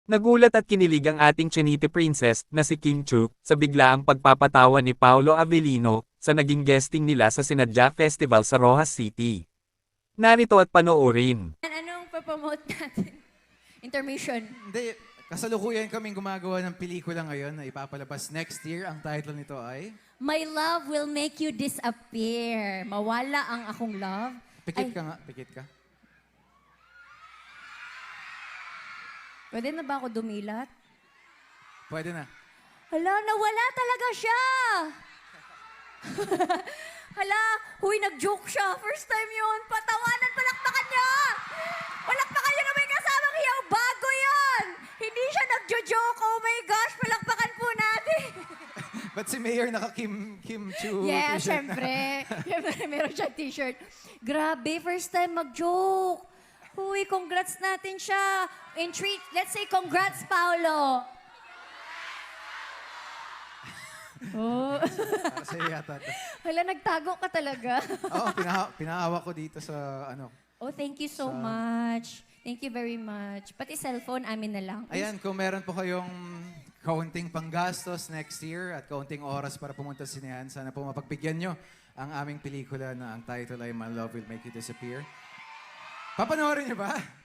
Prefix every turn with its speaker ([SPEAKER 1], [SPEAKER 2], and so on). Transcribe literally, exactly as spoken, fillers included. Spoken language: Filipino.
[SPEAKER 1] Nagulat at kinilig ang ating Chinite princess na si Kim Chu sa biglaang pagpapatawa ni Paolo Avellino sa naging guesting nila sa Sinadya Festival sa Rojas City. Narito at panoorin.
[SPEAKER 2] Anong papromote natin? Intermission.
[SPEAKER 3] Hindi, kasalukuyan kaming gumagawa ng pelikula ngayon na ipapalabas next year. Ang title nito ay...
[SPEAKER 2] My love will make you disappear. Mawala ang akong love.
[SPEAKER 3] Pikit
[SPEAKER 2] Ay,
[SPEAKER 3] ka nga, pikit ka.
[SPEAKER 2] Pwede na ba ako dumilat?
[SPEAKER 3] Pwede na.
[SPEAKER 2] Hala, nawala talaga siya! Hala, huy, nag-joke siya. First time yun. Patawanan, palakpakan niya! Palakpakan niyo na may kasamang hiyaw. Bago yan! Hindi siya nag-joke. Oh my gosh, palakpakan po natin.
[SPEAKER 3] Ba't si Mayor naka-Kim Kim Chu
[SPEAKER 2] Yeah,
[SPEAKER 3] t-shirt na?
[SPEAKER 2] syempre. Syempre, meron siya t-shirt. Grabe, first time mag-joke. Huy, congrats natin siya. In three, let's say congrats, Paolo. Oh.
[SPEAKER 3] Para sa'yo yata. to.
[SPEAKER 2] Hala, nagtago ka talaga.
[SPEAKER 3] Oo, pinaha pinaawa ko dito sa ano.
[SPEAKER 2] Oh, thank you so
[SPEAKER 3] Sa-
[SPEAKER 2] much. Thank you very much. Pati cellphone, amin na lang.
[SPEAKER 3] Ayan, kung meron po kayong kaunting panggastos next year at kaunting oras para pumunta sa sinehan, sana po mapagbigyan nyo ang aming pelikula na ang title ay My Love Will Make You Disappear. Papanoorin nyo ba?